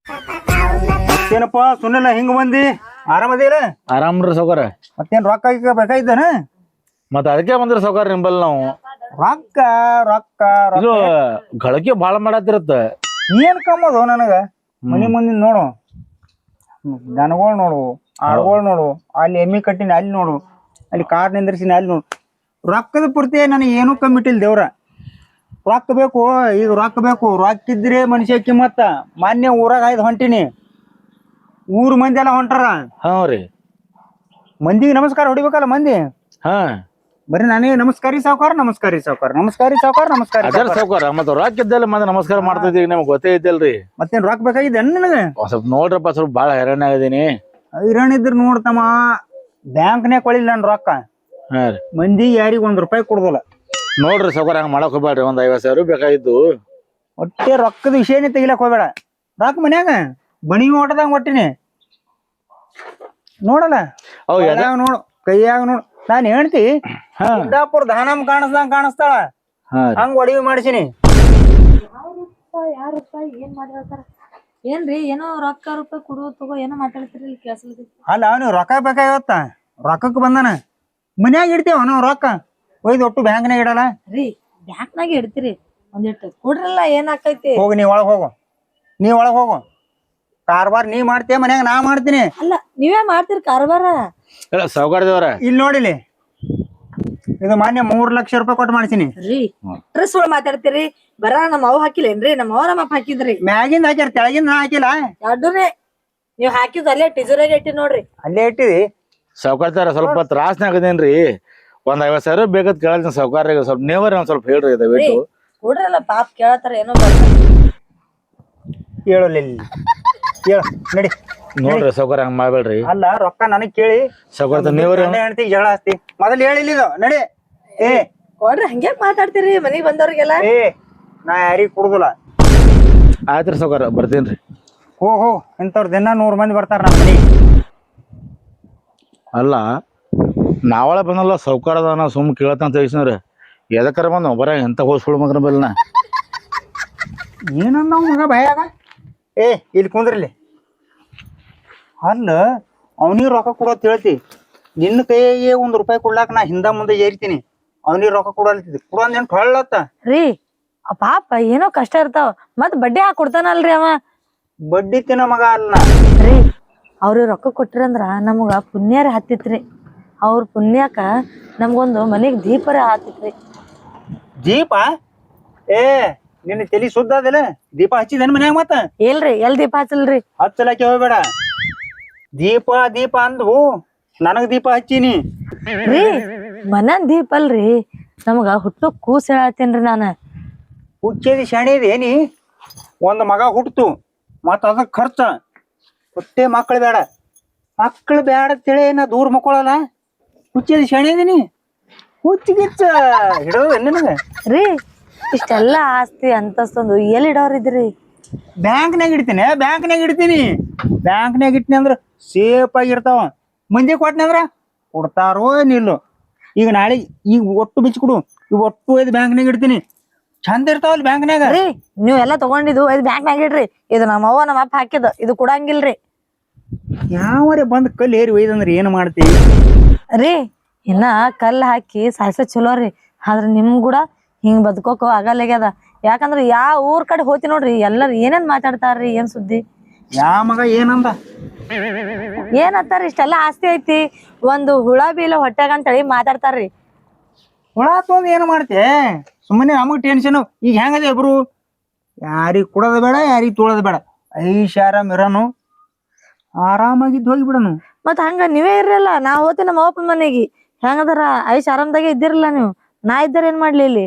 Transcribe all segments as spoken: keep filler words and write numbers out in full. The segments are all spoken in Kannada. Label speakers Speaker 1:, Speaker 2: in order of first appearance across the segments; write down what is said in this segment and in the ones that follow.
Speaker 1: ಮತ್ತೇನಪ್ಪ ಸುನಿಲ್ಲ ಹಿಂಗ ಬಂದಿ ಆರಾಮದಿಲ್ಲ?
Speaker 2: ಆರಾಮ್ರಿ ಸೌಕರ್.
Speaker 1: ಮತ್ತೇನ್ ರೊಕ್ಕ ಈಗ ಬೇಕಾಯ್ತಾನ?
Speaker 2: ಮತ್ತ ಅದಕ್ಕೆ ಬಂದ್ರಿ ಸೌಕರ್ ನಿಂಬಲ್ ನಾವು.
Speaker 1: ರೊಕ್ಕ ರೊಕ್ಕ
Speaker 2: ಇದು ಗಳಕೆ ಬಾಳ ಮಾಡತ್ತಿರತ್ತ.
Speaker 1: ಏನ್ ಕಮ್ಮದು ನನಗ? ಮನಿ ಮುಂದಿನ ನೋಡು, ದನಗಳು ನೋಡು, ಆಳ್ಗಳು ನೋಡು, ಅಲ್ಲಿ ಎಮ್ಮಿ ಕಟ್ಟಿನ ಅಲ್ಲಿ ನೋಡು, ಅಲ್ಲಿ ಕಾರ್ ನಿಂದ್ರಿಸಿನ ಅಲ್ಲಿ ನೋಡು. ರೊಕ್ಕದ ಪೂರ್ತಿ ನನಗೆ ಏನೂ ಕಮ್ಮಿಟ್ಟಿಲ್ಲ ದೇವ್ರ. ರೊಕ್ಕ ಬೇಕು, ಈಗ ರೊಕ್ಕ ಬೇಕು. ರೊಕ್ಕ ಇದ್ರೆ ಮನುಷ್ಯ ಕಿಮ್ಮತ್ತ. ಮಾನ್ಯ ಊರಾಗ ಆಯ್ದು ಹೊಂಟಿನಿ, ಊರ್ ಮಂದಿ ಎಲ್ಲ ಹೊಂಟಾರ.
Speaker 2: ಹಾ ರೀ,
Speaker 1: ಮಂದಿಗೆ ನಮಸ್ಕಾರ ಹೊಡಿಬೇಕಲ್ಲ ಮಂದಿ.
Speaker 2: ಹಾ
Speaker 1: ಬರೀ ನನಗೆ ನಮಸ್ಕಾರಿ ಸಾವುಕಾರ, ನಮಸ್ಕಾರಿ ಸಾವುಕಾರ, ನಮಸ್ಕಾರಿ ಸಾವುಕಾರ, ನಮಸ್ಕಾರಿ
Speaker 2: ಅದರ ಸೌಕರ್. ಮತ್ತ ರೊಕ್ಕ ಇದ್ದಲ್ಲ ಮತ್ತೆ ನಮಸ್ಕಾರ ಮಾಡ್ತಿದ್ದೀವಿ, ನಿಮ್ಗೆ ಗೊತ್ತೇ ಇದ್ದಲ್ರಿ.
Speaker 1: ಮತ್ತೇನ್ ರೊಕ್ಕ ಬೇಕಾಗಿದೆ ನನಗೆ?
Speaker 2: ಸ್ವಲ್ಪ ನೋಡ್ರಪ್ಪ, ಸ್ವಲ್ಪ ಬಾಳ ಹೈರಾಣ ಆಗಿದೀನಿ.
Speaker 1: ಹೈರಾಣ ಇದ್ರ ನೋಡ್ತಮ್ಮ, ಬ್ಯಾಂಕ್ನ್ಯಾಗ ಕೊಳಿಲ್ಲ ನನ್ ರೊಕ್ಕ.
Speaker 2: ಹಾ ರೀ,
Speaker 1: ಮಂದಿ ಯಾರಿಗ ಒಂದ್ ರೂಪಾಯಿ ಕೊಡುದಿಲ್ಲ.
Speaker 2: ನೋಡ್ರಿ ಸೌಕರ್, ಹಂಗ ಮಾಡಕ್ ಹೋಗ್ಬೇಡ್ರಿ. ಒಂದ್ ಐವತ್ ಸಾವಿರ ಬೇಕಾಗಿದ್ದು.
Speaker 1: ಒಟ್ಟೆ ರೊಕ್ಕದ ವಿಷಯನೇ ತೆಗಿಲಕ್ ಹೋಗ್ಬೇಡ. ರೊಕ್ಕ ಮನ್ಯಾಗ ಬಣಿ ಓಟದಂಗ ಒಟ್ಟಿನಿ ನೋಡಲ್ಲ. ಕೈಯಾಗ ನೋಡು, ಕೈಯಾಗ ನೋಡು. ನಾನ್ ಹೇಳ್ತಿ ಸಿದ್ದಾಪುರ ಧಾನಮ್ ಕಾಣಿಸ್ದಂಗ ಕಾಣಿಸ್ತಾಳ, ಹಂಗ ಒಡವಿ ಮಾಡಿಸಿನಿ.
Speaker 3: ಏನ್ ಮಾತಾಡ್ತಾರ ಏನ್ರಿ? ಏನೋ ರೊಕ್ಕ ರೂಪಾಯಿ ಕೊಡು ತಗೋ ಏನೋ ಮಾತಾಡ್ತಿರಿ, ಕೇಳಿಸ್ಲಿಕ್ಕೆ.
Speaker 1: ಅಲ್ಲ ಅವ್ನಿಗೆ ರೊಕ್ಕ ಬೇಕಾಗಿವತ್ತ, ರೊಕ್ಕಕ್ಕೆ ಬಂದಾನ. ಮನ್ಯಾಗ ಇಡ್ತೇವ ನಾವು ರೊಕ್ಕ, ಒಯ್ದು ಒಟ್ಟು ಬ್ಯಾಂಕ್ನಾಗ ಇಡಲ್ಲ
Speaker 3: ರೀ. ಬ್ಯಾಂಕ್ನಾಗ ಇಡ್ತೀರಿ, ಒಂದಿಟ್ಟು ಕೊಡ್ರಲ್ಲ, ಏನ್ ಆಕೈತಿ?
Speaker 1: ಹೋಗಿ ನೀ ಒಳಗ್ ಹೋಗು, ನೀ ಒಳಗ್ ಹೋಗು. ಕಾರ್ಬಾರ್ ನೀ ಮಾಡ್ತೀಯ, ಮನ್ಯಾಗ ನಾ ಮಾಡ್ತೀನಿ.
Speaker 3: ಅಲ್ಲ ನೀವೇ ಮಾಡ್ತೀರಿ ಕಾರ್ಬಾರ?
Speaker 2: ಸೌಕರ್ಯದವ್ರ
Speaker 1: ಇಲ್ಲಿ ನೋಡಿಲಿ, ಇದು ಮಾನ್ಯ ಮೂರ್ ಲಕ್ಷ ರೂಪಾಯಿ ಕೊಟ್ಟು ಮಾಡ್ತೀನಿ
Speaker 3: ರೀ. ಡ್ರೆಸ್ ಒಳಗ್ ಮಾತಾಡ್ತೀರಿ, ಬರ ನಮ್ಮ ಅವ್ ಹಾಕಿಲ್ಲೇನ್ರಿ? ನಮ್ಮ ಅವ್ವ ನಮ್ಮ ಅಪ್ಪ ಹಾಕಿದ್ರಿ.
Speaker 1: ಮ್ಯಾಗಿಂದ ಹಾಕ್ಯಾರ, ತೆಳಗಿಂದ ಹಾಕಿಲ್ಲ.
Speaker 3: ಎರಡೂನೇ ನೀವ್ ಹಾಕಿದ್ ಅಲ್ಲೇ ಟಿಜರಾಗ ಇಟ್ಟಿ ನೋಡ್ರಿ.
Speaker 1: ಅಲ್ಲೇ ಇಟ್ಟಿದಿ.
Speaker 2: ಸೌಕರ್ತಾರ ಸ್ವಲ್ಪ ತ್ರಾಸ್ನಾಗದೇನ್ರಿ. ಒಂದ್ ಐವತ್ ಸಾವಿರ ಬೇಕತ್ ಕೇಳತ್ತೀನಿ ಸೌಕರ್ಯ. ಸ್ವಲ್ಪ ನೇವರ್ ಒಂದ್ ಸ್ವಲ್ಪ ಹೇಳ್ರಿ ದಯವಿಟ್ಟು.
Speaker 3: ಕೊಡ್ರಲ್ಲ, ಪಾಪ ಕೇಳತ್ತಾರ ಏನೋ.
Speaker 1: ಕೇಳಲಿಲ್ಲ, ಕೇಳ ನಡಿ.
Speaker 2: ನೋಡ್ರಿ ಸೌಕರ್ಯ, ಹಂಗ ಮಾಡ್ಬೇಡ್ರಿ.
Speaker 1: ಅಲ್ಲ ರೊಕ್ಕ ನನಗ್ ಕೇಳಿ
Speaker 2: ಸೌಕರ್ಯ ನೇವರ್
Speaker 1: ಹೆಣ್ತಿ ಜಗಳ ಹಸ್ತಿ. ಮೊದಲು ಹೇಳಿಲ್ಲ ಇದು, ನಡಿ. ಏ
Speaker 3: ಕೊಡ್ರಿ, ಹಂಗೆ ಮಾತಾಡ್ತೀರಿ ಮನಿಗ್ ಬಂದವ್ರಿಗೆಲ್ಲ.
Speaker 1: ಏ ನಾ ಯಾರಿಗ್ ಕುಡುದಿಲ್ಲ.
Speaker 2: ಆಯ್ತ್ರಿ ಸೌಕರ್ಯ, ಬರ್ತೀನ್ರಿ.
Speaker 1: ಹೋ ಹೋ ಇಂಥವ್ರ ದಿನ ನೂರ್ ಮಂದಿ ಬರ್ತಾರ ನಮ್ಮ ಮನಿ.
Speaker 2: ಅಲ್ಲ ನಾವಳ ಬಂದಲ್ಲ ಸೌಕರ್ಯದ ನಾ ಸುಮ್ ಕೇಳತ್ತಂತ ತಿಳಿಸ್ರಿ. ಎದಕ್ಕರ ಬಂದ ಬರ ಎಂತ ಹೋಸ್ಕೊಳ್ ಮಗನ ಬೆಲ್ನ
Speaker 1: ಏನಂದ ಮಗ ಭಯಾಗ. ಏ ಇಲ್ಲಿ ಕುಂದ್ರಲ್ಲಿ. ಅಲ್ಲ ಅವನಿಗೆ ರೊಕ್ಕ ಕೊಡೋತ್ ಹೇಳ್ತಿ, ನಿನ್ನ ಕೈಗೆ ಒಂದ್ ರೂಪಾಯಿ ಕೊಡ್ಲಾಕ ನಾ ಹಿಂದ ಮುಂದೆ ಏರಿತೀನಿ. ಅವನಿಗೆ ರೊಕ್ಕ ಕೊಡಲ್ತಿದ್ದಿ, ಕೊಡೋನ್ ಏನ್ ಹೊಳ್ಳತ್ತ
Speaker 3: ರೀ. ಪಾಪ ಏನೋ ಕಷ್ಟ ಇರ್ತಾವ, ಮತ್ ಬಡ್ಡಿ ಹಾಕಿ ಕೊಡ್ತಾನಲ್ರಿ ಅವ.
Speaker 1: ಬಡ್ಡಿ ತಿನ್ನ ಮಗ ಅಲ್ಲ
Speaker 3: ರೀ. ಅವ್ರಿಗೆ ರೊಕ್ಕ ಕೊಟ್ಟಿರಂದ್ರ ನಮಗ ಪುಣ್ಯಾರ ಹತ್ತಿತ್ರಿ. ಅವ್ರ ಪುಣ್ಯಾಕ ನಮ್ಗೊಂದು ಮನೆಗ್ ದೀಪರ ಹತ್ತಿತ್ರಿ.
Speaker 1: ದೀಪ? ಏ ನಿನ್ನ ತಲಿ ಸುದ್ದ ಅದಿಲ್ಲ? ದೀಪ ಹಚ್ಚಿದೇನ್ ಮನ್ಯಾಗ? ಮತ್ತ
Speaker 3: ಇಲ್ರಿ, ಎಲ್ ದೀಪ ಹಚ್ಚಲ್ರಿ.
Speaker 1: ಹಚ್ಚಲಕ್ಕೆ ಹೋಗ್ಬೇಡ. ದೀಪ ದೀಪ ಅಂದು ನನಗ್ ದೀಪ ಹಚ್ಚಿನಿ
Speaker 3: ರೀ. ಮನನ್ ದೀಪ ಅಲ್ರಿ, ನಮಗ ಹುಟ್ಟು ಕೂಸ್ ಹೇಳತ್ತೇನ್ರಿ ನಾನ.
Speaker 1: ಹುಚ್ಚೇದಿ ಶಾಣೇದಿ ಏನಿ? ಒಂದ್ ಮಗ ಹುಟ್ತು, ಮತ್ತ ಅದಕ್ ಖರ್ಚ ಹೊಟ್ಟೆ. ಮಕ್ಳು ಬೇಡ, ಮಕ್ಳು ಬೇಡ ತಿಳಿ ನಾ ದೂರ ಮಕ್ಕಳಲ್ಲ. ಹುಚ್ಚೇದಿ ಶಾಣೇದಿನಿ? ಹುಚ್ಚಿಗಿಚ್ಚ ಹಿಡೋದು ನಿನಗ?
Speaker 3: ರೀ, ಇಷ್ಟೆಲ್ಲಾ ಆಸ್ತಿ ಅಂತಸ್ತೊಂದು ಎಲ್ಲಿ ಇಡೋರಿದ್ರಿ?
Speaker 1: ಬ್ಯಾಂಕ್ನಾಗ ಇಡ್ತೀನಿ, ಬ್ಯಾಂಕ್ನಾಗ ಇಡ್ತೀನಿ. ಬ್ಯಾಂಕ್ನಾಗ ಇಟ್ಟಿನಿ ಅಂದ್ರ ಸೇಫ್ ಆಗಿರ್ತಾವ. ಮಂದಿ ಕೊಟ್ಟನಿ ಅಂದ್ರ ಕೊಡ್ತಾರೋ ನಿಲ್ಲು. ಈಗ ನಾಳೆ ಈಗ ಒಟ್ಟು ಬಿಚ್ಚಿ ಕೊಡು, ಈಗ ಒಟ್ಟು ಒಯ್ದು ಬ್ಯಾಂಕ್ನಾಗ ಇಡ್ತೀನಿ. ಚಂದ ಇರ್ತಾವಲ್ಲಿ ಬ್ಯಾಂಕ್ನಾಗ.
Speaker 3: ರೀ, ನೀವ್ ಎಲ್ಲಾ ತಗೊಂಡಿದ್ದು ಇದು ಬ್ಯಾಂಕ್ನಾಗ ಇಡ್ರಿ. ಇದು ನಮ್ಮ ಅವ್ವ ನಮ್ಮ ಅಪ್ಪ ಹಾಕಿದ, ಇದು ಕೊಡಂಗಿಲ್ರಿ.
Speaker 1: ಯಾವರೇ ಬಂದ್ ಕಲ್ಲು ಏರಿ ಒಯ್ದಂದ್ರ ಏನ್ ಮಾಡ್ತೀವಿ?
Speaker 3: ರೀ, ಇನ್ನ ಕಲ್ಲು ಹಾಕಿ ಸಾಯ್ಸ ಚಲೋ ರೀ. ಆದ್ರ ನಿಮ್ ಕೂಡ ಹಿಂಗ್ ಬದುಕೋಕ ಆಗಲ್ಲಾಗ್ಯದ. ಯಾಕಂದ್ರ ಯಾವ ಊರ್ ಕಡೆ ಹೋತಿ ನೋಡ್ರಿ, ಎಲ್ಲಾರು ಏನೇನ್ ಮಾತಾಡ್ತಾರ್ರಿ, ಏನ್ ಸುದ್ದಿ?
Speaker 1: ಯಾ ಮಗ ಏನಂದ?
Speaker 3: ಏನಂತಾರ? ಇಷ್ಟೆಲ್ಲಾ ಆಸ್ತಿ ಐತಿ, ಒಂದು ಹುಳ ಬೀಳ ಹೊಟ್ಯಾಗ ಅಂತೇಳಿ ಮಾತಾಡ್ತಾರ್ರಿ.
Speaker 1: ಹುಳ ತೊಂದ್ ಏನ್ ಮಾಡ್ತೆ? ಸುಮ್ಮನೆ ನಮಗ್ ಟೆನ್ಷನ್. ಈಗ ಹೆಂಗದ ಇಬ್ರು? ಯಾರಿಗ್ ಕೊಡೋದ ಬೇಡ, ಯಾರಿಗ್ ತೊಳೋದ ಬೇಡ. ಐಷಾರಾಮ್ ಇರೋನು, ಆರಾಮಾಗಿದ್ದು ಹೋಗಿಬಿಡನು.
Speaker 3: ಮತ್ ಹಂಗ ನೀವೇ ಇರಲ್ಲ. ನಾ ಹೋತಿ ನಮ್ಮ ಅಪ್ಪನ ಮನೆಗೆ, ಹೆಂಗದಾರ ಐಶ್ ಆರಾಮ್ದಾಗೆ ಇದ್ದಿರಲ್ಲ ನೀವು. ನಾ ಇದ್ದಾರ ಏನ್ ಮಾಡ್ಲಿ ಇಲ್ಲಿ?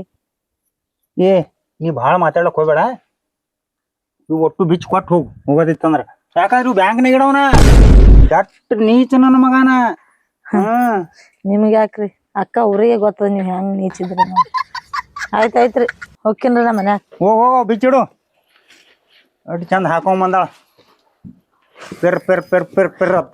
Speaker 1: ಏ ನೀ ಭಾಳ ಮಾತಾಡಕ್ ಹೋಗ್ಬೇಡ. ಇವು ಒಟ್ಟು ಬಿಚ್ಚ ಕೊಟ್ಟು ಹೋಗು ಹೋಗೋದಿತ್ತಂದ್ರ. ಯಾಕಂದ್ರೆ ಇವು ಬ್ಯಾಂಕ್ನಾಗ ಇಡವನ ಕೆಟ್ಟ ನೀಚ ನನ್ನ ಮಗನ. ಹ್ಮ್
Speaker 3: ನಿಮ್ಗೆ ಯಾಕ್ರಿ ಅಕ್ಕ, ಊರಿಗೆ ಗೊತ್ತದ ನೀವ್ ಹೆಂಗ್ ನೀಚಿದ್ರಿ. ಆಯ್ತಾಯ್ತ್ರಿ, ಹೋಗ್ತೀನ್ರಿ ನಮ್ಮ ಮನ್ಯಾಗ.
Speaker 1: ಹೋಗ್ ಹೋಗ ಬಿಚ್ಚಿಡು. ಅಷ್ಟು ಚಂದ ಹಾಕೊಂಡ್ ಬಂದಾಳ, ಪೆರ್ ಪೆರ್ ಪೆರ್ ಪೆರ್ ಪೆರ್ ಅಂತ.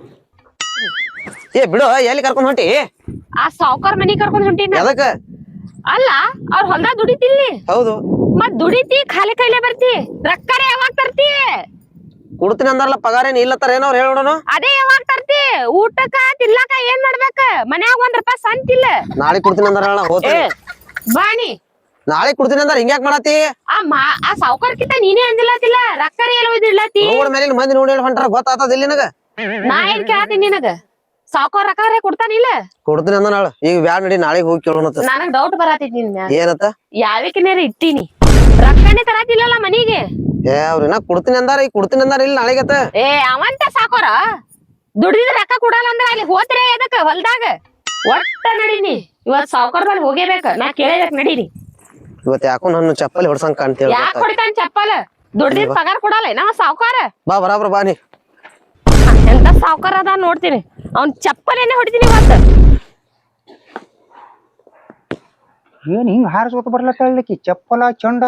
Speaker 4: ಏ ಬಿಡು, ಎಲ್ಲಿ ಕರ್ಕೊಂಡ್ ಹೊಂಟಿ?
Speaker 5: ಆ ಸಾವ್ಕಾರ್ ಮನಿ ಕರ್ಕೊಂಡ್ ಹೊಂಟಿನ.
Speaker 4: ಎದಕ್ಕ?
Speaker 5: ಅಲ್ಲ ಅವ್ರ ಹೊಲ್ದಾಗ ದುಡಿತಿಲ್ಲಿ.
Speaker 4: ಹೌದು.
Speaker 5: ಮತ್ ದುಡಿತಿ ಖಾಲಿ ಕೈಲೇ ಬರ್ತಿ, ರೊಕ್ಕರೆ ಯಾವಾಗ ತರ್ತಿ?
Speaker 4: ಕೊಡ್ತೀನಿ ಅಂದಾರಲ್ಲ ಪಗಾರ ಏನ್ ಇಲ್ಲತ್ತಾರ ಏನೋ ಅವ್ರು ಹೇಳೋಣ.
Speaker 5: ಅದೇ ಯಾವಾಗ ತರ್ತಿ ಊಟಕ್ಕ ತಿನ್ಲಕ ಏನ್ ಮಾಡ್ಬೇಕ ಮನ್ಯಾಗ ಒಂದ್ ರೂಪಾಯಿ ಸಂತಿಲ್ಲ.
Speaker 4: ನಾಳೆ ಕೊಡ್ತೀನಿ ಅಂದಾರ ಹೋಗ್ತೀನಿ.
Speaker 5: ಬಾಣಿ
Speaker 4: ನಾಳೆ ಕೊಡ್ತೀನಿ ಅಂದಾರ ಹಿಂಗ್ಯಾಕ್ ಮಾಡತಿ?
Speaker 5: ಆ ಮಾ ಆ ಸಾವ್ಕಾರ್ಕಿಂತ ನೀನೇ ಅಂದಿಲ್ಲತಿಲ್ಲ ರೊಕ್ಕರಿ ಎಲ್ಲ ಒಯ್ದಿಡ್ಲತಿ.
Speaker 4: ರೋಡ್ ಮೇಲಿನ ಮಂದಿ ನೋಡಿ ಹೇಳಿ ಹೊಂಟಾರ ಗೊತ್ತಾತದ ಇಲ್ಲಿ ನಿನಗ.
Speaker 5: ನಾ ಏನ್ ಕೇಳತೀನಿ ನಿನಗ ಸಾವ್ಕಾರ್ ರೊಕ್ಕ ಕೊಡ್ತಾನಿಲ್ಲ.
Speaker 4: ಕೊಡ್ತೀನಿ ಅಂದ ನಾಳೆ ಈಗ ಬ್ಯಾಡ ನಡಿ ನಾಳೆಗ್ ಹೋಗಿ ಕೇಳೋಣ.
Speaker 5: ನನಗ್ ಡೌಟ್ ಬರತೈತಿ ನಿನ್ ಮ್ಯಾಲ.
Speaker 4: ಏನತ್ತ?
Speaker 5: ಯಾವಕ್ಕಿನಾರ ಇಟ್ಟಿನಿ ರೊಕ್ಕನೇ ತರತಿಲ್ಲಲ್ಲ ಮನಿಗೆ.
Speaker 4: ಏ ಅವ್ರಿನ ಕೊಡ್ತೀನಿ ಅಂದಾರ ಈಗ ಕೊಡ್ತೀನಿ ಅಂದಾರ ಇಲ್ಲಿ ನಾಳೆಗತ್ತ.
Speaker 5: ಏ ಅವಂತ ಸಾಕೋರ ದುಡಿದ ರೊಕ್ಕ ಕೊಡಲ್ಲ ಅಂದ್ರ ಅಲ್ಲಿ ಹೋತ್ರೆ ಎದಕ್ ಹೊಲ್ದಾಗ ಒಟ್ಟ ನಡೀನಿ. ಇವತ್ ಸಾವ್ಕಾರ್ ಬಲ್ಲಿ ಹೋಗೇಬೇಕ ನಾ ಕೇಳಬೇಕ ನಡೀನಿ.
Speaker 4: ಇವತ್ ಯಾಕೋ ನನ್ನ ಚಪ್ಪಲಿ ಹೊಡ್ಸಂಗ್ ಕಾಣ್ತೇವ.
Speaker 5: ಯಾಕೆ ಹೊಡಿತಾನ ಚಪ್ಪಲ್? ದುಡ್ದಿದ್ ಪಗಾರ ಕೊಡಲ್ಲ ನಾವ ಸಾವ್ಕಾರ.
Speaker 4: ಬಾ ಬರಾಬ್ರ ಬಾ ನೀ.
Speaker 5: ಎಂತ ಸಾವ್ಕಾರ ಅದ ನೋಡ್ತೀನಿ ಅವ್ನ್ ಚಪ್ಪಲೇನೆ ಹೊಡಿತೀನಿ ಇವತ್ತ.
Speaker 1: ಏನ್ ಹಿಂಗ್ ಹಾರಿಸ್ಕೊತ ಬರ್ಲತ್ತಾಳಕಿ ಚಪ್ಪಲ ಚಂಡ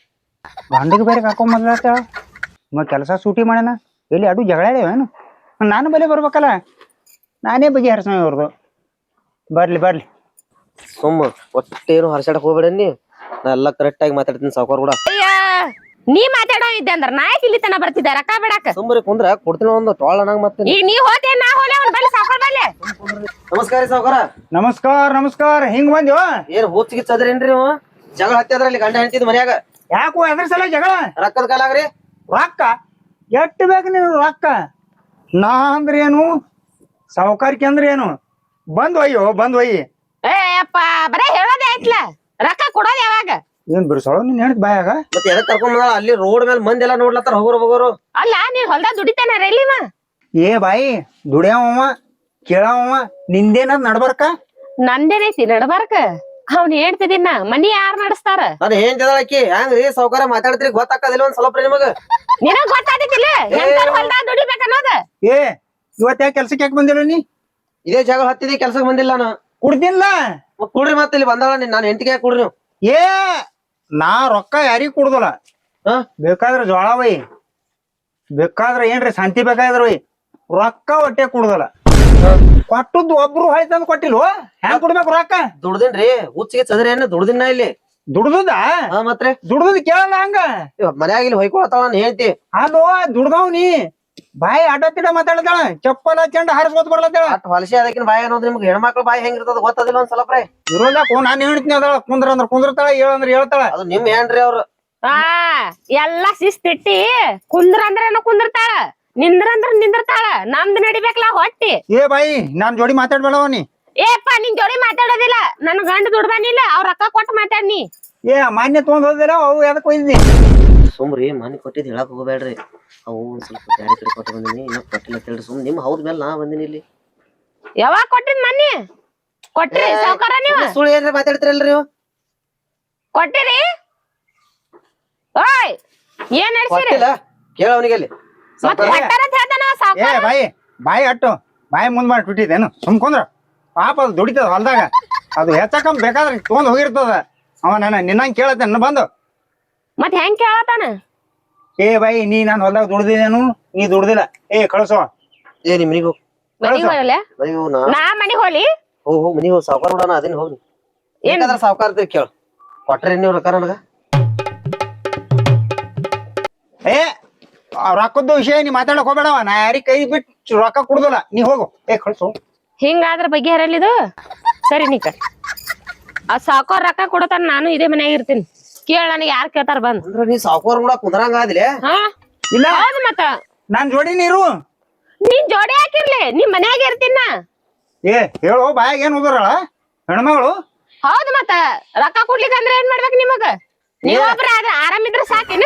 Speaker 1: ಗಂಡಿಗೆ ಬೇರೆ ಹಾಕೊಂಡ್ ಬಂದ್ಲತ್ತಾಳ. ಮ ಕೆಲಸ ಸೂಟಿ ಮಾಡ್ಯಾನ ಎಲ್ಲಿ ಅಡು ಜಗಳ ಏನು ನಾನು ಬಲೆ ಬರ್ಬೇಕಲ್ಲ ನಾನೇ ಬಗೆ ಹರಿಸ ಇವ್ರದು. ಬರ್ಲಿ ಬರ್ಲಿ
Speaker 4: ಸುಮ್ಮ ಒಟ್ಟೇನು ಹರ್ಸಾಡಕ್ ಹೋಗ್ಬೇಡನಿ. ನಾ ಎಲ್ಲಾ ಕರೆಕ್ಟ್ ಆಗಿ ಮಾತಾಡ್ತೀನಿ ಸಾವ್ಕಾರ ಕೂಡ.
Speaker 5: ಅಯ್ಯ ನೀ ಮಾತಾಡೋ ಇದ್ದೆ ಅಂದ್ರ ನಾ ಇಲ್ಲಿ ತನ ಬರ್ತಿದ್ದೆ ರೊಕ್ಕ ಬಿಡಾಕ.
Speaker 4: ಸುಮ್ಮನೆ ಕುಂದ್ರ ಕೊಡ್ತೀನಿ ಒಂದು ಟೋಳ ನಂಗ್ ಮತ್ತೆ.
Speaker 5: ಈಗ ನೀ ಹೋತೆ ನಾ ಹೋಲೆ ಅವ್ನ ಬಲ್ಲಿ ಸಾವ್ಕಾರ ಬಲ್ಲಿ.
Speaker 4: ನಮಸ್ಕಾರ ಸಾವ್ಕಾರ.
Speaker 1: ನಮಸ್ಕಾರ ನಮಸ್ಕಾರ. ಹಿಂಗ್ ಬಂದ್ಯೋ
Speaker 4: ಏನ್ ಹುಚ್ಚಿಗೆ ಚದ್ರೇನ್ರಿ ನೀವು? ಜಗಳ ಹತ್ತಿದ್ರಲ್ಲಿ ಗಂಡ ಹೆಂಡತಿದ್ ಮನ್ಯಾಗ
Speaker 1: ಯಾಕೋ ಎದ್ರ ಸಲ ಜಗಳ?
Speaker 4: ರೊಕ್ಕದ ಕಾಲಾಗ್ರಿ.
Speaker 1: ರೊಕ್ಕ ಎಟ್ಟು ಬೇಕು ನೀನು ರೊಕ್ಕ? ನಾ ಅಂದ್ರೆ ಏನು ಸಾವುಕಾರಿಕೆ ಅಂದ್ರೆ ಏನು? ಬಂದ್ ಒಯ್ಯೋ ಬಂದ್ ಒಯ್ಯಿ.
Speaker 5: ಏ ಅಪ್ಪ ಬರೇ ಹೇಳೋದೇ ಆಯ್ತಲ್ಲ ರೊಕ್ಕ ಕೊಡೋದ್ ಯಾವಾಗ?
Speaker 1: ಏನ್ ಬಿರ್ಸೋಳು ನೀನ್ ಹೇಳ್ತ ಬಾಯಾಗ?
Speaker 4: ಮತ್ತೆ ಎದಕ್ ಕರ್ಕೊಂಡ್ ಬಂದಾಳ? ಅಲ್ಲಿ ರೋಡ್ ಮೇಲೆ ಮಂದಿ ಎಲ್ಲಾ ನೋಡ್ಲತ್ತಾರ ಹೋಗೋರು ಹೋಗೋರು.
Speaker 5: ಅಲ್ಲ ನೀನ್ ಹೊಲ್ದಾಗ ದುಡಿತಾನ ರೈಲಿವ?
Speaker 1: ಏ ಬಾಯಿ ದುಡಿಯವ ಕೇಳವ ನಿಂದೇನದ್ ನಡ್ಬರ್ಕ?
Speaker 5: ನಂದೇನೈತಿ ನಡ್ಬಾರ್ಕ? ಅವ್ನ ಹೇಳ್ತಿದಿನ ಮನಿ ಯಾರ್ ನಡೆಸ್ತಾರ?
Speaker 4: ನಾನು ಏನ್ ತಿದಾಳಕಿ ಹೆಂಗ್ರಿ ಸಾವ್ಕಾರ ಮಾತಾಡ್ತೀರಿ ಗೊತ್ತಾಕದಿಲ್ಲ ಒಂದ್ ಸ್ವಲ್ಪ ನಿಮಗ?
Speaker 5: ನಿನಗ್ ಗೊತ್ತಾದಿತ್ತಿಲ್ಲ ಹೆಂಗಾರ ಹೊಲ್ದಾಗ ದುಡಿಬೇಕ ಅನ್ನೋದ?
Speaker 1: ಏ ಇವತ್ ಯಾಕೆ ಕೆಲ್ಸಕ್ಕೆ ಯಾಕೆ ಬಂದಿಲ್ಲ ನೀ?
Speaker 4: ಇದೇ ಜಗಳ ಹತ್ತಿದಿ ಕೆಲ್ಸಕ್ ಬಂದಿಲ್ಲ ನಾನು.
Speaker 1: ಕುಡ್ದಿಲ್ಲ
Speaker 4: ಮತ್ತ್ ಕುಡ್ರಿ ಮತ್ತೆ ಇಲ್ಲಿ ಬಂದಾಳ ನಾನು ಹೆಂಡತಿಗೆ ಯಾಕೆ ಕುಡ್ರಿ ನೀವು?
Speaker 1: ಏ ನಾ ರೊಕ್ಕ ಯಾರಿಗ್ ಕುಡ್ದಲ್ಲ.
Speaker 4: ಹಾ
Speaker 1: ಬೇಕಾದ್ರೆ ಜೋಳ ಒಯ್ ಬೇಕಾದ್ರೆ ಏನ್ರಿ ಶಾಂತಿ ಬೇಕಾದ್ರ ಒಯ್ ರೊಕ್ಕ ಹೊಟ್ಟೆ ಕುಡ್ದಲ್ಲ. ಕೊಟ್ಟದ್ದು ಒಬ್ರು ಹೊಯ್ತಂದ್ ಕೊಟ್ಟಿಲ್ವ? ಹೆಂಗ್ ಕೊಡ್ಬೇಕು ರೊಕ್ಕ?
Speaker 4: ದುಡ್ದಿನ್ರಿ ಹುಚ್ಚಿಗೆ ಚದ್ರಿ ಏನ ದುಡ್ದಿನ ಇಲ್ಲಿ
Speaker 1: ದುಡ್ದದ
Speaker 4: ಹಾ ಮತ್ತೆ
Speaker 1: ದುಡ್ದದ್ ಕೇಳಲ್ಲ ಹಂಗ
Speaker 4: ಮನ್ಯಾಗ ಇಲ್ಲಿ ಹೊಯ್ಕೊಳತಾಳ ನಾನು ಹೇಳ್ತಿ.
Speaker 1: ಅಲ್ಲೋ ದುಡ್ದವ್ ನೀ ಬಾಯಿ ಅಡ್ಡ ತಿಡ ಮಾತಾಡ್ತಾಳ ಚಪ್ಪಲ ಚಂಡ ಹಾರಿಸ್ಕೊತ್ ಬರ್ಲತ್ತಾಳ.
Speaker 4: ಅಟ್ ಹೊಲಸಿ ಅದಕ್ಕಿನ ಬಾಯಿ ಅನ್ನೋದು ನಿಮ್ಗೆ ಹೆಣ್ಮಕ್ಳು ಬಾಯಿ ಹೆಂಗಿರ್ತದ ಗೊತ್ತದಿಲ್ಲ ಒಂದ್ ಸ್ವಲ್ಪ ರೀ.
Speaker 1: ಇರೋದಕ್ಕೂ ನಾನು ಹೇಳ್ತೀನಿ ಅದಾಳ ಕುಂದ್ರ ಅಂದ್ರ ಕುಂದ್ರತಾಳ ಹೇಳಂದ್ರ ಹೇಳ್ತಾಳ.
Speaker 4: ಅದು ನಿಮ್ ಏನ್ರಿ ಅವ್ರು?
Speaker 5: ಆ ಎಲ್ಲಾ ಶಿಸ್ತಿಟ್ಟಿ ಕುಂದ್ರ ಅಂದ್ರೇನು ಕುಂದ್ರತಾಳ ನಿಂದ್ರ ಅಂದ್ರ ನಿಂದ್ರತಾಳ. ನಮ್ದು ನಡಿಬೇಕಲ್ಲ ಹೊಟ್ಟಿ.
Speaker 1: ಏ ಬಾಯಿ ನಾನ್ ಜೋಡಿ ಮಾತಾಡ್ಬೇಡವ ನೀ.
Speaker 5: ಏಪ್ಪ ನಿನ್ ಜೋಡಿ ಮಾತಾಡೋದಿಲ್ಲ ನನ್ ಗಂಡ ದುಡ್ದಾನಿಲ್ಲ ಅವ್ರ ರೊಕ್ಕ ಕೊಟ್ಟು ಮಾತಾಡ್ನಿ.
Speaker 1: ಏ ಮಾನ್ಯ ತಗೊಂಡ್ ಹೋದಿಲ್ಲ ಅವು ಎದಕ್ ಒಯ್ದಿ?
Speaker 4: ಸುಮ್ರಿ ಮನೆ ಕೊಟ್ಟಿದ್ ಹೇಳಕ್ ಹೋಗ್ಬೇಡ್ರಿ. ಅವು ಒಂದ್ ಸ್ವಲ್ಪ ಬ್ಯಾರೆ ಕಡೆ ಕೊಟ್ಟು ಬಂದಿನಿ ಇನ್ನ ಕೊಟ್ಟಿಲ್ಲ ಕೇಳ್ರಿ. ಸುಮ್ ನಿಮ್ ಹೌದ್ ಮೇಲೆ ನಾ ಬಂದಿನಿ ಇಲ್ಲಿ.
Speaker 5: ಯಾವಾಗ ಕೊಟ್ಟಿದ್ ಮನ್ನಿ ಕೊಟ್ರಿ ಸಾವ್ಕಾರ ನೀವು?
Speaker 4: ಸುಳ್ಳು ಏನ್ರಿ ಮಾತಾಡ್ತಿರಲ್ರಿ ನೀವು?
Speaker 5: ಕೊಟ್ಟಿರಿ? ಓಯ್ ಏನ್ ನಡ್ಸಿರಿ?
Speaker 4: ಕೊಟ್ಟಿಲ್ಲ ಕೇಳ ಅವನಿಗೆ ಅಲ್ಲಿ.
Speaker 5: ಮತ್ತ್ ಕೊಟ್ಟಾರ ಅಂತ ಹೇಳ್ತಾನ
Speaker 1: ಏ
Speaker 5: ಸಾವ್ಕಾರ.
Speaker 1: ಬಾಯಿ ಬಾಯಿ ಅಟ್ಟು ಬಾಯಿ ಮುಂದ್ ಮಾಡಿ ಬಿಟ್ಟಿದ್ದೇನು ಸುಮ್ಕೊಂದ್ರ ಪಾಪ ಅದು ದುಡಿತದ ಹೊಲ್ದಾಗ ಅದು ಹೆಚ್ಚಕಮ್ ಬೇಕಾದ್ರೆ ತಗೊಂಡ್ ಹೋಗಿರ್ತದ. ಅವ ನನ್ನ ನಿನ್ನಂಗ್ ಕೇಳತ್ತೆ ನನ್ನ ಬಂದು.
Speaker 5: ಮತ್ ಹೆಂಗ್ ಕೇಳತಾನ?
Speaker 1: ಏ ಬಾಯಿ ನೀ ನಾನ್ ಹೊಲ್ದಾಗ ದುಡ್ದಿದ್ದೇನು ನೀ ದುಡ್ದಿಲ್ಲ ಏ ಕಳ್ಸೋ.
Speaker 4: ಏ ನಿಮ್ ಮನಿಗ್ ಹೋಗ್
Speaker 5: ಮನಿಗ್ ಹೋಗಲ್ಲ
Speaker 4: ಮನಿಗ್ ಹೋಗ್ ನಾ
Speaker 5: ನಾ ಮನಿಗ್ ಹೋಗ್ಲಿ?
Speaker 4: ಹೋಗ್ ಹೋಗ್ ಮನಿಗ್ ಹೋಗ್ ಸಾವ್ಕಾರ ಬಿಡೋಣ ಅದೇನ್ ಹೋಗಿ ಏನಾದ್ರ ಸಾವ್ಕಾರ ಕೇಳ ಕೊಟ್ರಿ ನೀವು ರೊಕ್ಕ ನನಗ?
Speaker 1: ಏ ಆ ರೊಕ್ಕದ್ದು ವಿಷಯ ನೀ ಮಾತಾಡಕ್ ಹೋಗ್ಬೇಡವ. ನಾ ಯಾರಿಗ್ ಕೈ ಬಿಟ್ಟು ರೊಕ್ಕ ಕುಡ್ದಲ್ಲ ನೀ ಹೋಗು. ಏ ಕಳ್ಸೋ.
Speaker 5: ಹಿಂಗಾದ್ರ ಬಗ್ಗೆ ಹರಲಿದು ಸರಿ ನೀ ಕಟ್ ಆ ಸಾವ್ಕಾರ ರೊಕ್ಕ ಕೊಡತಾನ ನಾನು ಇದೇ ಮನ್ಯಾಗ ಇರ್ತೀನಿ. ಕೇಳ ನನಗೆ ಯಾರ್ ಕೇಳ್ತಾರ ಬಂದ್.
Speaker 4: ಅಂದ್ರ ನೀ ಸಾವ್ಕಾರ ಕೂಡ ಕುಂದ್ರಂಗ ಆದಿಲೆ?
Speaker 5: ಹಾ
Speaker 1: ಇಲ್ಲ
Speaker 5: ಹೌದು ಮತ್ತ
Speaker 1: ನಾನ್ ಜೋಡಿ ನೀರು
Speaker 5: ನೀನ್ ಜೋಡಿ ಹಾಕಿರ್ಲಿ ನಿಮ್ ಮನ್ಯಾಗ ಇರ್ತೀನ.
Speaker 1: ಏ ಹೇಳು ಬಾಯಾಗ ಏನ್ ಹೋದ್ರಳ ಹೆಣ್ಮಗಳು?
Speaker 5: ಹೌದು ಮತ್ತ ರೊಕ್ಕ ಕೊಡ್ಲಿಕ್ಕೆ ಅಂದ್ರೆ ಏನ್ ಮಾಡ್ಬೇಕು ನಿಮಗ? ನೀವೊಬ್ರ ಆದ್ರ ಆರಾಮಿದ್ರ ಸಾಕೇನ?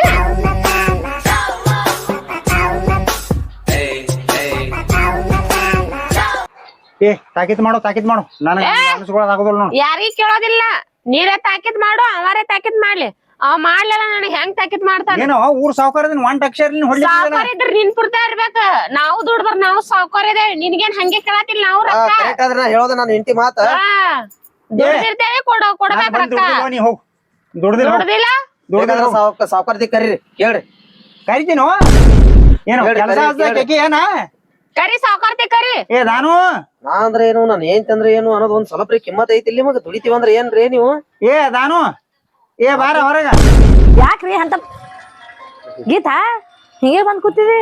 Speaker 1: ಏ ತಾಕೀತ್ ಮಾಡು ತಾಕೀತ್ ಮಾಡು ನನಗೆ ಅನ್ಸ್ಕೊಳ್ಳೋದಾಗೋದಿಲ್ಲ ನೋಡು.
Speaker 5: ಯಾರಿಗ್ ಕೇಳೋದಿಲ್ಲ ನೀರೇ ತಾಕಿತ್ ಮಾಡು ಅವರೇ ತಾಕಿತ್ ಮಾಡ್ಲಿ. ಅವ್ ಮಾಡ್ಲಿಲ್ಲ ನನಗ್ ಹೆಂಗ್ ತಾಕಿತ್ ಮಾಡ್ತಾನ?
Speaker 1: ಏನೋ ಊರ್ ಸಾವುಕಾರದಿನ ಒಂದ್ ಅಕ್ಷರ ಹೊಡ್ಲಿಲ್ಲ.
Speaker 5: ಸಾವ್ಕಾರ ಇದ್ರ ನಿನ್ ಪುರ್ತ ಇರ್ಬೇಕ. ನಾವು ದುಡ್ದ್ರ ನಾವು ಸಾವ್ಕಾರ ಇದೆ ನಿನ್ಗೇನ್ ಹಂಗೆ ಕೇಳತಿಲ್ಲ ನಾವು ರೊಕ್ಕ.
Speaker 4: ಕರೆಕ್ಟ್ ಆದ್ರೆ ನಾ ಹೇಳೋದು ನಾನು ಹೆಂಡತಿ ಮಾತ.
Speaker 5: ದುಡ್ದಿರ್ತೇವೆ ಕೊಡ ಕೊಡ್ಬೇಕ ರೊಕ್ಕ.
Speaker 1: ನೀ ಹೋಗ್ ದುಡ್ದಿಲ್ಲ
Speaker 5: ದುಡ್ದಿಲ್ಲ
Speaker 1: ದುಡ್ದಿಲ್ಲ
Speaker 4: ಸಾವ್ಕಾರ್ದಿ ಕರೀರಿ ಕೇಳ್ರಿ.
Speaker 1: ಕರಿತೀನೋ ಏನು ಕೆಲಸ ಹಚ್ಚಿ ಏನ
Speaker 5: ಕರಿ ಸಾವ್ಕಾರ್ತಿ ಕರಿ.
Speaker 1: ಏ ನಾನು
Speaker 4: ನಾ ಅಂದ್ರೆ ಏನು ನಾನು ಏನ್ ತಂದ್ರೆ ಏನು ಅನ್ನೋದು ಒಂದ್ ಸ್ವಲ್ಪ ಕಿಮ್ಮತ್ ಐತಿ ಇಲ್ಲಿ ಮಗ ದುಡಿತೀವಿ ಅಂದ್ರೆ ಏನ್ರಿ ನೀವು?
Speaker 1: ಏ ನಾನು ಏ ಬಾರ ಹೊರಗ.
Speaker 3: ಯಾಕ್ರಿ ಅಂತ ಗೀತಾ ಹಿಂಗೆ ಬಂದ್ ಕೂತಿದಿ?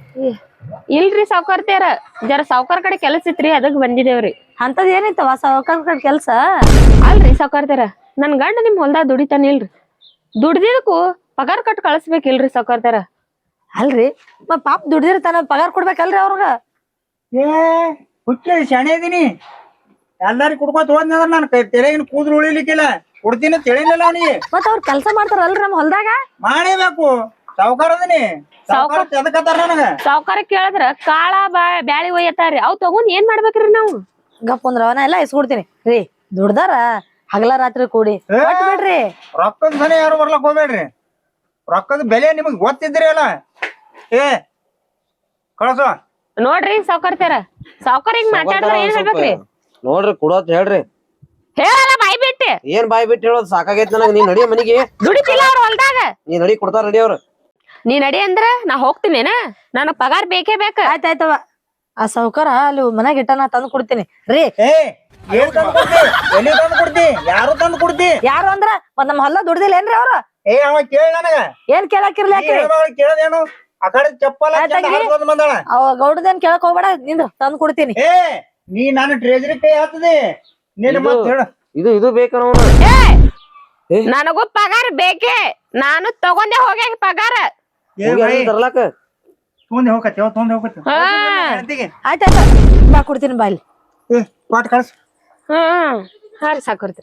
Speaker 5: ಇಲ್ರಿ ಸಾವ್ಕಾರ್ತಿಯರ ಜರ ಸಾವ್ಕಾರ್ ಕಡೆ ಕೆಲಸ ಇತ್ರಿ ಅದಕ್ ಬಂದಿದೇವ್ರಿ.
Speaker 3: ಅಂತದ್ ಏನೈತವ ಸಾವ್ಕಾರ ಕೆಲ್ಸ?
Speaker 5: ಅಲ್ರಿ ಸಾವ್ಕಾರ್ತಿಯರ ನನ್ ಗಂಡ ನಿಮ್ ಹೊಲ್ದಾಗ ದುಡಿತಾನ ಇಲ್ರಿ, ದುಡ್ದಿದಕ್ಕೂ ಪಗಾರ ಕಟ್ ಕಳಿಸ್ಬೇಕಿಲ್ರಿ ಸಾವ್ಕಾರ್ತಿಯರ.
Speaker 3: ಅಲ್ರಿ ಮ ಪಾಪ ದುಡ್ದಿರ್ತಾನ ಪಗಾರ ಕೊಡ್ಬೇಕಲ್ರಿ ಅವ್ರಗ?
Speaker 1: ಏ ಹುಚ್ಚ ಶಾಣೆ ಇದೀನಿ, ಎಲ್ಲಾರಿಗೂ ಕುಡ್ಕೋತ ಹೋದ್ನಂದ್ರ ನಾನು ತೆರೆಗಿನ ಕೂದಲು ಉಳಿಲಿಕ್ಕಿಲ್ಲ, ಕೊಡ್ತೀನಿ ತಿಳಿಲಿಲ್ಲ ಅವನಿಗೆ.
Speaker 3: ಮತ್ತ ಅವ್ರ ಕೆಲ್ಸ ಮಾಡ್ತಾರಲ್ರಿ ನಮ್ ಹೊಲ್ದಾಗ?
Speaker 1: ಮಾಡೇಬೇಕು, ಸಾವ್ಕಾರ ಅದೀನಿ. ಸಾವ್ಕಾರ ಎದಕತ್ತಾರ ನನಗ?
Speaker 5: ಸಾವ್ಕಾರ ಕೇಳಿದ್ರ ಕಾಳ ಬಾ ಬ್ಯಾಳಿ ಒಯ್ಯತಾರ್ರಿ, ಅವ್ ತಗೊಂಡ್ ಏನ್ ಮಾಡ್ಬೇಕ್ರಿ ನಾವು?
Speaker 3: ಗಪ್ಪ ಅಂದ್ರ ಅವನ ಎಲ್ಲಾ ಇಸ್ಕೊಡ್ತೀನಿ ರೀ. ದುಡ್ದಾರ ಹಗಲ ರಾತ್ರಿ ಕೂಡಿ ಕೊಟ್ ಬಿಡ್ರಿ.
Speaker 1: ರೊಕ್ಕದ ಸನಿ ಯಾರು ಬರ್ಲಕ್ ಹೋಗ್ಬೇಡ್ರಿ, ರೊಕ್ಕದ ಬೆಲೆ ನಿಮಗ್ ಗೊತ್ತಿದ್ರಿ ಅಲ್ಲ. ಏ ಕಳಸು.
Speaker 5: ನೋಡ್ರಿ ಸಾವ್ಕಾರ್ತಿಯರ, ಸಾವ್ಕಾರ ಹಿಂಗ್ ಮಾತಾಡಿದ್ರ ಏನ್ ಹೇಳ್ಬೇಕ್ರಿ?
Speaker 4: ನೋಡ್ರಿ ಕೊಡೋತ್ ಹೇಳ್ರಿ.
Speaker 5: ಹೇಳಲ್ಲ ಬಾಯ್ ಬಿಟ್ಟೆ.
Speaker 4: ಏನ್ ಬಾಯ್ ಬಿಟ್ಟು ಹೇಳೋದ್ ಸಾಕಾಗೈತ್ ನನಗ. ನೀ ನಡಿ ಮನಿಗೆ.
Speaker 5: ದುಡಿತಿಲ್ಲ ಅವ್ರ ಹೊಲ್ದಾಗ.
Speaker 4: ನೀ ನಡಿ, ಕೊಡ್ತಾರ ನಡಿ ಅವ್ರ.
Speaker 5: ನೀ ನಡಿ ಅಂದ್ರ ನಾ ಹೋಗ್ತೀನೇನ, ನನಗ್ ಪಗಾರ ಬೇಕೇ ಬೇಕ.
Speaker 3: ಆಯ್ತಾಯ್ತವ, ಆ ಸಾವ್ಕಾರ ಅಲ್ಲಿ ಮನ್ಯಾಗ ಇಟ್ಟ ನಾ ತಂದು ಕೊಡ್ತೀನಿ ರೀ.
Speaker 1: ಏ ಏನ್ ತಂದು ಕೊಡ್ತಿ? ಎಲ್ಲಿ ತಂದು ಕೊಡ್ತಿ? ಯಾರು ತಂದು ಕೊಡ್ತಿ?
Speaker 3: ಯಾರು ಅಂದ್ರ ಮತ್ ನಮ್ ಹೊಲ ದುಡ್ದಿಲ್ಲ ಏನ್ರಿ ಅವ್ರ?
Speaker 1: ಏ ಅವ ಕೇಳ ನನಗ.
Speaker 3: ಏನ್ ಕೇಳಾಕಿರ್ಲಿ ಯಾಕ್ರಿ?
Speaker 1: ಕೇಳದೇನು? ಆ ಕಡೆ ಚಪ್ಪಲ ಬಂದಾಳ.
Speaker 3: ಅವ ಗೌಡದೇನ್ ಕೇಳಕ್ ಹೋಗ್ಬೇಡ, ನಿಂದ್ರ ತಂದು ಕೊಡ್ತೀನಿ.
Speaker 1: ಏ ನೀ ನಾನು ಟ್ರೆಜರಿ ಕೈ ಹಾಕ್ತದೆ ನಿನ್ನ ಮತ್ ಹೇಳ.
Speaker 4: ಇದು ಇದು ಬೇಕನ
Speaker 5: ನನಗೂ ಪಗಾರ ಬೇಕೇ, ನಾನು ತಗೊಂಡೆ ಹೋಗ್ಯ ಪಗಾರ.
Speaker 4: ತರ್ಲಾಕ
Speaker 1: ತೊಂದೆ ಹೋಗತ್ತೆ ತೊಂದೆ ಹೋಗತ್ತೆ.
Speaker 3: ಆಯ್ತಾಯ್ತ ಬಾ ಕೊಡ್ತೀನಿ ಬಾ ಇಲ್ಲಿ.
Speaker 1: ಏ ಪಾಟ್ ಕಳ್ಸ.
Speaker 5: ಹ್ಮ್ ಹಾರಿ ಸಾಕೋರ್ತೀರಿ.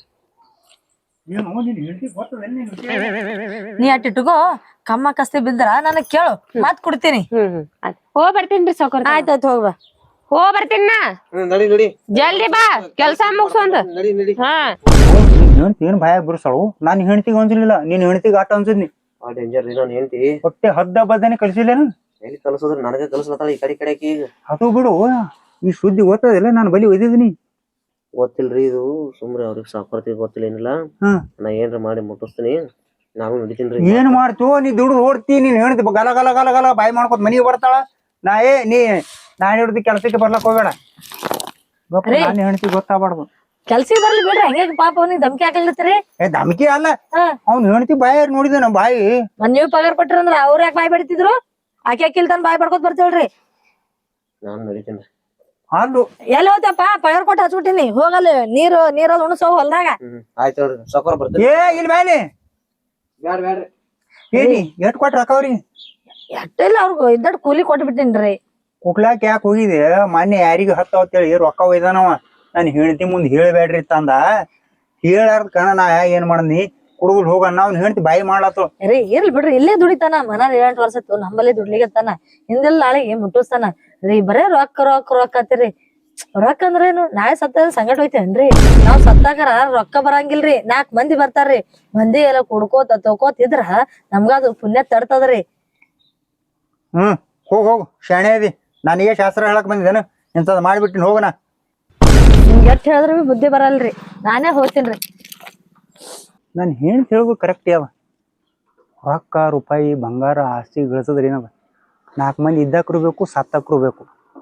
Speaker 3: ನೀ ಅಟ್ಟಿಟ್ಗೋ, ಕಮ್ಮ ಕಸ್ತಿ ಬಿದ್ರ ನನಗ್ ಕೇಳು, ಮಾತ್ ಕೊಡ್ತೀನಿ.
Speaker 5: ಹ್ಮ್ ಹ್ಮ್ ಆಯ್ತ್ ಹೋಗ್ ಬರ್ತೀನ್ರಿ ಸಾಕೋರ್.
Speaker 3: ಆಯ್ತಾಯ್ತು ಹೋಗ್ಬಾ.
Speaker 5: ಹೋಗ್ ಬರ್ತೀನ
Speaker 4: ನಡಿ ನಡಿ
Speaker 5: ಜಲ್ದಿ ಬಾ, ಕೆಲ್ಸ ಮುಗ್ಸೊಂದ್.
Speaker 4: ನಡಿ ನಡಿ.
Speaker 5: ಹಾ
Speaker 1: ಹೆಣ್ತಿ ಏನ್ ಭಯ ಬಿರ್ಸಾಳು. ನಾನು ಹೆಣ್ತಿಗೆ ಅನ್ಸಲಿಲ್ಲ, ನೀನ್ ಹೆಣ್ತಿಗೆ ಆಟ ಅನ್ಸಿದ್ನಿ.
Speaker 4: ಆ ಡೇಂಜರ್ ರೀ ನಾನು ಹೇಳ್ತಿ.
Speaker 1: ಹೊಟ್ಟೆ ಹದ್ದ ಬದ್ದನೆ ಕಳ್ಸಿಲ್ಲೇನು?
Speaker 4: ಎಲ್ಲಿ ಕಲ್ಸೋದ್ರ ನನಗ ಕಲ್ಸ್ಲತ್ತಾಳ ಈ ಕಡೆ ಕಡೆ ಈಗ.
Speaker 1: ಅದು ಬಿಡು, ಈ ಸುದ್ದಿ ಓದ್ತದಿಲ್ಲ, ನಾನು ಬಲಿ ಒಯ್ದಿದ್ದೀನಿ.
Speaker 4: ಗೊತ್ತಿಲ್ರಿ ಇದು, ಸುಮ್ರಿ ಅವ್ರಿಗೆ ಸಾಕೋರ್ತಿಗೆ ಗೊತ್ತಿಲ್ಲ ಏನಿಲ್ಲ.
Speaker 1: ಹ್ಮ್
Speaker 4: ನಾ ಏನ್ರ ಮಾಡಿ ಮುಟ್ಟಿಸ್ತೀನಿ, ನಾನು ನಡಿತೀನ್ರಿ.
Speaker 1: ಏನ್ ಮಾಡ್ತು ನೀ ದುಡ್ಡು ಓಡ್ತಿ, ನೀನ್ ಹೇಳ್ತಿ ಗಲ ಗಲ ಗಲ ಗಲ ಬಾಯಿ ಮಾಡ್ಕೊತ ಮನಿಗೆ ಬರ್ತಾಳ. ನಾ ಏ ನೀ ನಾನ್ ಹಿಡ್ದು ಕೆಲ್ಸಕ್ಕೆ ಬರ್ಲಕ್ ಹೋಗ್ಬೇಡ. ನಾನು ಹೆಣ್ತಿ ಗೊತ್ತಾಗ್ಬಾರ್ದು.
Speaker 3: ಕೆಲ್ಸಿಗೆ ಬರ್ಲಿ ಬಿಡ್ರಿ, ಹಂಗೆ ಪಾಪ ಅವ್ನಿಗೆ ಧಮ್ಕಿ ಹಾಕಲ್ತ್ರಿ.
Speaker 1: ಏ ಧಮ್ಕಿ ಅಲ್ಲ, ಅವ್ನ್ ಹೆಣ್ತಿ ಬಾಯಿ ನೋಡಿದ ನಮ್ ಬಾಯಿ.
Speaker 3: ಮನ್ ನೀವ್ ಪಗಾರ ಕೊಟ್ಟಿರಂದ್ರ ಅವ್ರ ಯಾಕೆ ಬಾಯ್ ಬಿಡ್ತಿದ್ರು? ಆಕೆ ಆಕಿಲ್ ಬಾಯ್ ಬಡ್ಕೋತ್ ಬರ್ತೇಳ್ರಿ.
Speaker 4: ನಾನು ನಡಿತೀನಿ.
Speaker 1: ಅಲ್ಲು
Speaker 3: ಎಲ್ಲಿ ಹೋಗ್ತಪ್ಪ? ಪಗಾರ ಕೊಟ್ಟು ಹಚ್ಬಿಟ್ಟಿನಿ, ಹೋಗಲ್ಲ ನೀರು ನೀರಲ್ಲಿ ಉಣಸೋ ಹೊಲ್ದಾಗ.
Speaker 4: ಹ್ಮ್ ಆಯ್ತು ಹೇಳ್ರಿ ಸಾಕೋರ ಬರ್ತೀನಿ.
Speaker 1: ಏ ಇಲ್ಲಿ ಮೇಲೆ
Speaker 4: ಬ್ಯಾಡ ಬ್ಯಾಡ್ರಿ.
Speaker 1: ಏನಿ ಎಷ್ಟ್ ಕೊಟ್ರ ಅಕ್ಕವ್ರಿ?
Speaker 3: ಎಟ್ಟಿಲ್ಲ ಅವ್ರಿಗೂ ಇದ್ದಟ್ ಕೂಲಿ ಕೊಟ್ಬಿಟ್ಟಿನ್ರಿ.
Speaker 1: ಕುಕ್ಲಾಕ್ ಯಾಕೆ ಹೋಗಿದೆ? ಮೊನ್ನೆ ಯಾರಿಗ ಹತ್ತವತ್ತೇಳಿ ರೊಕ್ಕ ಒಯ್ದಾನವ. ನಾನು ಹೆಣ್ತಿ ಮುಂದೆ ಹೇಳಬೇಡ್ರಿ ತಂದ. ಹೇಳಾರ್ದ ಕಣ ನಾ ಏನ್ ಮಾಡನಿ, ಕುಡುಗುಲ್ ಹೋಗಣ್ಣ ಅವ್ನ ಹೆಣ್ತಿ ಬಾಯಿ ಮಾಡ್ಲತ್ತು.
Speaker 3: ರೀ ಇರ್ಲಿ ಬಿಡ್ರಿ, ಇಲ್ಲೇ ದುಡಿತಾನ. ಮನಾರ್ ಏಳೆಂಟು ವರ್ಷ ಇತ್ತು, ನಮ್ಮಲ್ಲಿ ದುಡ್ಲಿಗತ್ತಾನ. ಹಿಂದೆಲ್ಲ ನಾಳೆಗೆ ಮುಟ್ಟಿಸ್ತಾನ ರೀ. ಬರೇ ರೊಕ್ಕ ರೊಕ್ಕ ರೊಕ್ಕ ಆತಿರಿ. ರೊಕ್ಕ ಅಂದ್ರೇನು? ನಾಳೆ ಸತ್ತ ಸಂಗಟ ಹೋಯ್ತೇನ್ರಿ? ನಾವ್ ಸತ್ತಾಕರ ರೊಕ್ಕ ಬರಂಗಿಲ್ರಿ, ನಾಕ್ ಮಂದಿ ಬರ್ತಾರ್ರಿ. ಮಂದಿ ಎಲ್ಲ ಕುಡ್ಕೋತ ತಗೋತಿದ್ರ ನಮ್ಗದು ಪುಣ್ಯ ತಡ್ತದ್ರಿ.
Speaker 1: ಹ್ಮ್ ಹೋಗ್ ಹೋಗು, ಶಾಣೆ ಅದಿ. ನನಗೆ ಶಾಸ್ತ್ರ ಹೇಳಕ್ ಬಂದಿದ್ದೇನು? ಇಂಥದ್ ಮಾಡ್ಬಿಟ್ಟಿನ ಹೋಗಣ.
Speaker 3: ನಿಮ್ಗೆ ಎಷ್ಟ್ ಹೇಳಿದ್ರು ಬಿ ಬುದ್ಧಿ ಬರಲ್ರಿ, ನಾನೇ ಹೋಗ್ತೀನ್ರಿ.
Speaker 1: ನಾನು ಹೆಣ್ತಿ ಹೇಳ್ಬೇಕು ಕರೆಕ್ಟ್ ಯಾವ ರೊಕ್ಕ ರೂಪಾಯಿ ಬಂಗಾರ ಆಸ್ತಿ ಗಳಿಸೋದ್ರಿ ಏನದ? ನಾಲ್ಕು ಮಂದಿ ಇದ್ದಾಕ್ರು ಬೇಕು, ಸತ್ತಾಕ್ರು ಬೇಕು.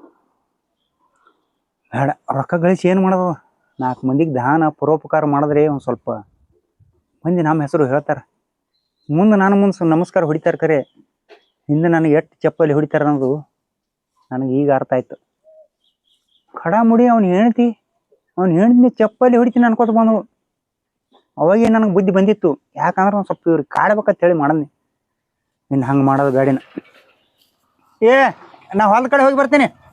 Speaker 1: ಬೇಡ, ರೊಕ್ಕ ಗಳಿಸಿ ಏನು ಮಾಡೋದು? ನಾಲ್ಕು ಮಂದಿಗೆ ದಾನ ಪರೋಪಕಾರ ಮಾಡಿದ್ರೆ ಒಂದು ಸ್ವಲ್ಪ ಮಂದಿ ನಮ್ಮ ಹೆಸರು ಹೇಳ್ತಾರೆ. ಮುಂದೆ ನಾನು ಮುಂದೆ ನಮಸ್ಕಾರ ಹೊಡಿತಾರೆ ಕರೆ, ಹಿಂದೆ ನನಗೆ ಎಷ್ಟು ಚಪ್ಪಲಿ ಹೊಡಿತಾರೆ ಅನ್ನೋದು ನನಗೆ ಈಗ ಅರ್ಥ ಆಯ್ತು. ಖಡ ಮುಡಿ ಅವ್ನು ಹೇಳ್ತಿ, ಅವ್ನು ಹೇಳ್ತೀನಿ ಚಪ್ಪಲಿ ಹೊಡಿತೀನಿ ಅನ್ಕೋತ ಬಂದಳು. ಅವಾಗೇ ನನಗೆ ಬುದ್ಧಿ ಬಂದಿತ್ತು, ಯಾಕಂದ್ರೆ ಒಂದು ಸ್ವಲ್ಪ ಇವ್ರಿಗೆ ಕಾಡ್ಬೇಕಂತ ಹೇಳಿ ಮಾಡದ್ನಿ. ಇನ್ನು ಹಂಗೆ ಮಾಡೋದು ಬೇಡಿನ. ಏ ನಾ ಹೊಲದ ಕಡೆ ಹೋಗಿ ಬರ್ತೀನಿ.